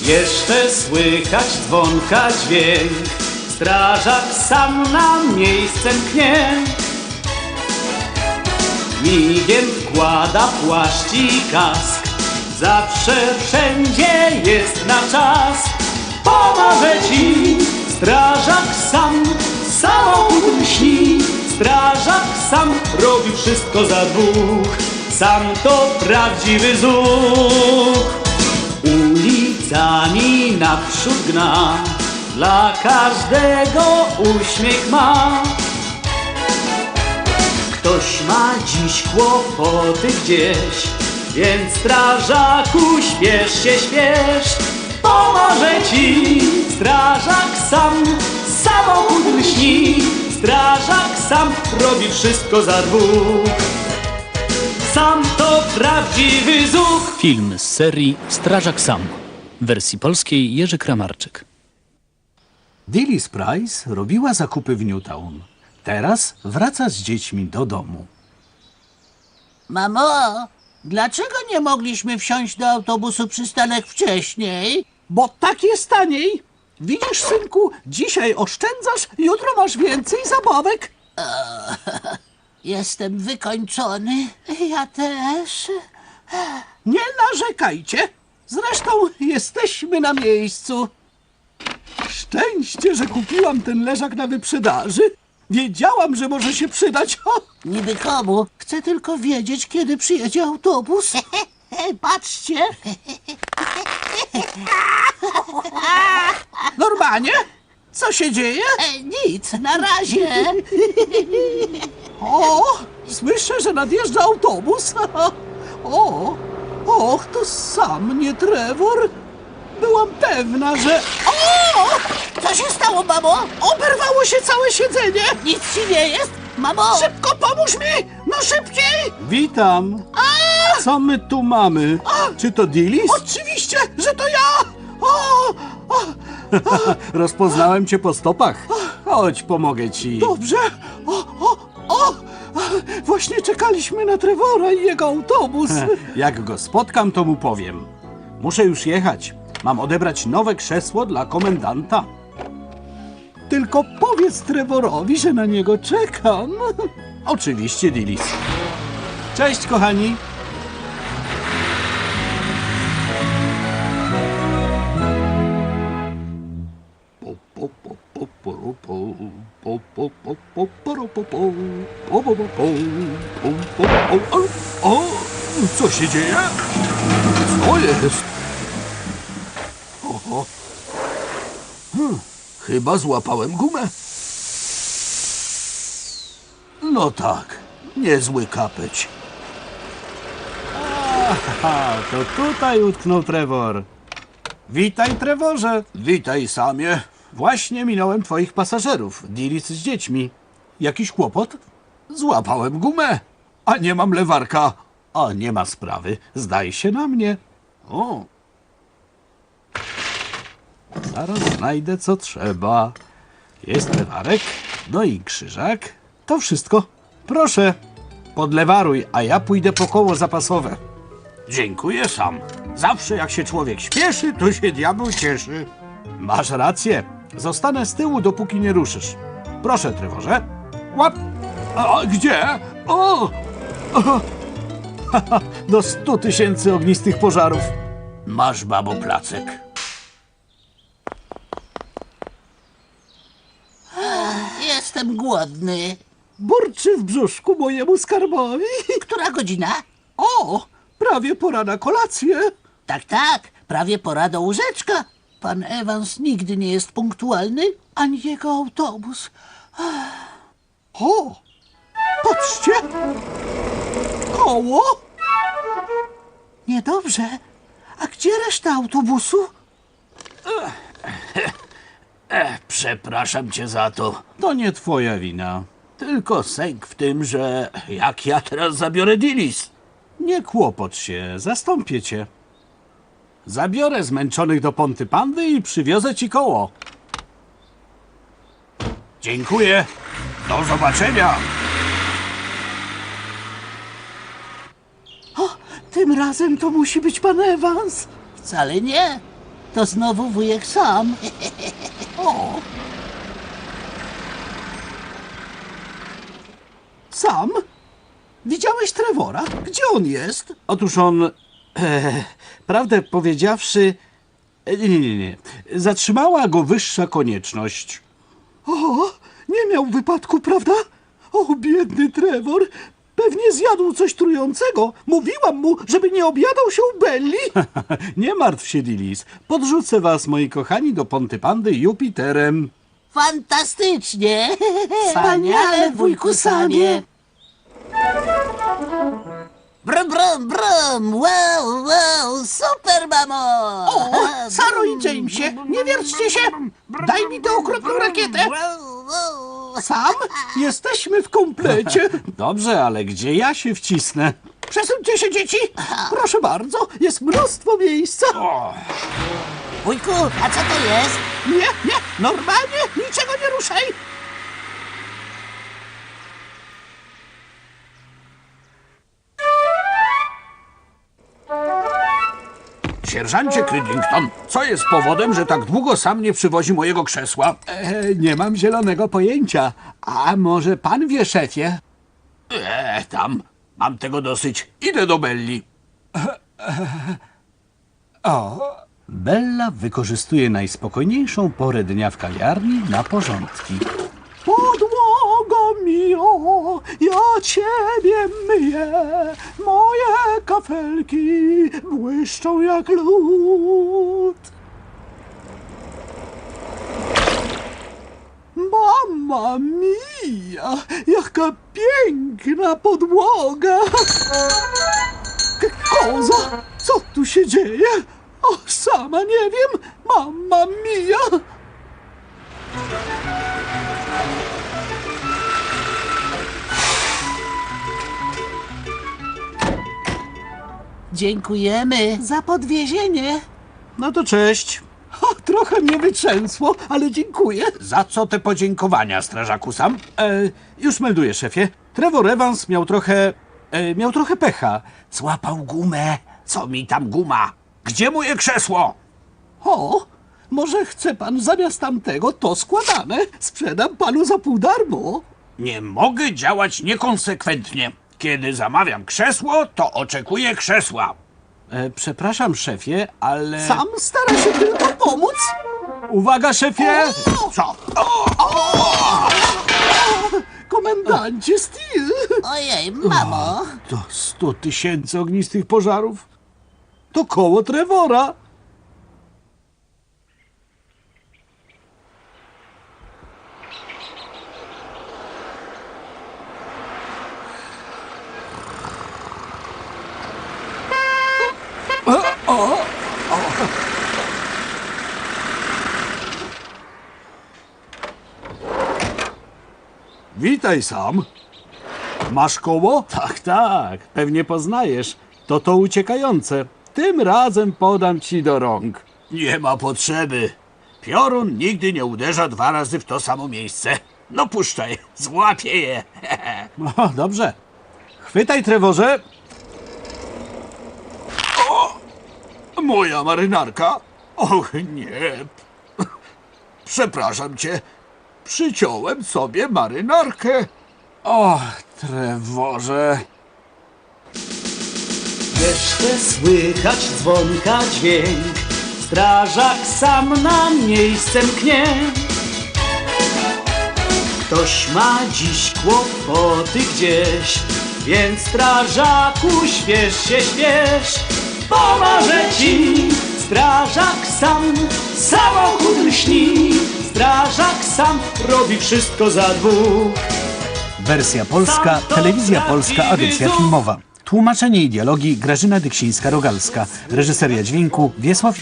Jeszcze słychać dzwonka dźwięk, strażak sam na miejsce mknie. Migiem wkłada płaszcz i kask, zawsze wszędzie jest na czas. Pomoże ci strażak sam, samochód lśni. Strażak sam robi wszystko za dwóch, sam to prawdziwy zuch. Ulicami naprzód gna, dla każdego uśmiech ma. Ktoś ma dziś kłopoty gdzieś, więc strażaku śpiesz się, śpiesz. Pomoże ci strażak sam, samochód lśni. Strażak sam robi wszystko za dwóch, sam to prawdziwy zuch. Film z serii Strażak Sam. W wersji polskiej Jerzy Kramarczyk. Dilys Price robiła zakupy w Newtown. Teraz wraca z dziećmi do domu. Mamo, dlaczego nie mogliśmy wsiąść do autobusu przystanek wcześniej? Bo tak jest taniej. Widzisz, synku, dzisiaj oszczędzasz, jutro masz więcej zabawek. Jestem wykończony. Ja też. Nie narzekajcie. Zresztą jesteśmy na miejscu. Szczęście, że kupiłam ten leżak na wyprzedaży. Wiedziałam, że może się przydać. O, Niby komu? Chcę tylko wiedzieć, kiedy przyjedzie autobus. patrzcie. Normanie, co się dzieje? Nic, na razie. O, słyszę, że nadjeżdża autobus. O, och, to sam nie Trevor. Byłam pewna, że... O! Co się stało, mamo? Oberwało się całe siedzenie! Nic ci nie jest? Mamo! Szybko pomóż mi! No szybciej! Witam! Co my tu mamy? Czy to Dilys? Oczywiście, że to ja! O! Rozpoznałem cię po stopach. Chodź, pomogę ci. Dobrze! O! Właśnie czekaliśmy na Trevora i jego autobus. Jak go spotkam, to mu powiem. Muszę już jechać. Mam odebrać nowe krzesło dla komendanta. Tylko powiedz Trevorowi, że na niego czekam. Oczywiście, Dilys. Cześć, kochani. O, co się dzieje? Co jest? Oho. Chyba złapałem gumę. No tak, niezły kapeć. Aha, to tutaj utknął Trevor. Witaj, Trevorze. Witaj, Samie. Właśnie minąłem twoich pasażerów, Dilys z dziećmi. Jakiś kłopot? Złapałem gumę, a nie mam lewarka. A nie ma sprawy, zdaj się na mnie. O. Zaraz znajdę, co trzeba. Jest lewarek, no i krzyżak. To wszystko. Proszę, podlewaruj, a ja pójdę po koło zapasowe. Dziękuję sam. Zawsze jak się człowiek śpieszy, to się diabeł cieszy. Masz rację. Zostanę z tyłu, dopóki nie ruszysz. Proszę, Trevorze. Łap. A gdzie? O! Do 100 000 ognistych pożarów. Masz, babo, placek. Jestem głodny. Burczy w brzuszku mojemu skarbowi. Która godzina? O, prawie pora na kolację. Tak, prawie pora do łóżeczka. Pan Evans nigdy nie jest punktualny, ani jego autobus. O, patrzcie. Koło. Niedobrze. A gdzie reszta autobusu? Przepraszam cię za to. To nie twoja wina. Tylko sęk w tym, że jak ja teraz zabiorę Dilys? Nie kłopocz się, zastąpię cię. Zabiorę zmęczonych do Ponty Pandy i przywiozę ci koło. Dziękuję. Do zobaczenia. Tym razem to musi być pan Evans. Wcale nie. To znowu wujek Sam. O! Sam? Widziałeś Trevora? Gdzie on jest? Otóż on, prawdę powiedziawszy, nie. Zatrzymała go wyższa konieczność. O, nie miał wypadku, prawda? O, biedny Trevor. Pewnie zjadł coś trującego. Mówiłam mu, żeby nie objadał się u Belli. Nie martw się, Dilis. Podrzucę was, moi kochani, do Pontypandy Jupiterem. Fantastycznie! Wspaniale, wujku Samie! Brum, brum, brum! Wow, wow! Super, mamo! O, Saro i Jamesie, nie wierćcie się! Daj mi tę okropną rakietę! Wow, wow. Sam, jesteśmy w komplecie. Dobrze, ale gdzie ja się wcisnę? Przesuńcie się, dzieci. Proszę bardzo, jest mnóstwo miejsca. Wujku, a co to jest? Nie, normalnie, niczego nie ruszaj. Sierżancie Cridlington, co jest powodem, że tak długo sam nie przywozi mojego krzesła? Nie mam zielonego pojęcia. A może pan wie, szefie? Tam. Mam tego dosyć. Idę do Belli. Bella wykorzystuje najspokojniejszą porę dnia w kawiarni na porządki. Podłogo mio, ja ciebie myję, moje kafelki błyszczą jak lód. Mamma mia, jaka piękna podłoga! Koza, co tu się dzieje? O, sama nie wiem, mamma mia! Dziękujemy. Za podwiezienie. No to cześć. O, trochę mnie wytrzęsło, ale dziękuję. Za co te podziękowania, strażaku Sam? Już melduję, szefie. Trevor Evans miał trochę pecha. Złapał gumę. Co mi tam guma? Gdzie moje krzesło? O, może chce pan zamiast tamtego to składane? Sprzedam panu za pół darmo. Nie mogę działać niekonsekwentnie. Kiedy zamawiam krzesło, to oczekuję krzesła. Przepraszam, szefie, ale... Sam stara się tylko pomóc. Uwaga, szefie! Co? Komendancie Steel. Ojej, mamo. To 100 000 ognistych pożarów. To koło Trevora. Witaj, Sam. Masz koło? Tak. Pewnie poznajesz. To uciekające. Tym razem podam ci do rąk. Nie ma potrzeby. Piorun nigdy nie uderza 2 razy w to samo miejsce. No puszczaj, złapię je. No, dobrze. Chwytaj, Trevorze. O! Moja marynarka? Och, nie. Przepraszam cię. Przyciąłem sobie marynarkę. O, Trevorze. Jeszcze słychać dzwonka dźwięk, strażak sam na miejsce mknie. Ktoś ma dziś kłopoty gdzieś, więc strażaku śpiesz się, śpiesz. Pomoże ci strażak sam, samochód lśni. Strażak sam robi wszystko za 2. Wersja polska, Telewizja Polska, Agencja Filmowa. Tłumaczenie i dialogi Grażyna Dyksińska-Rogalska. Reżyseria dźwięku Wiesław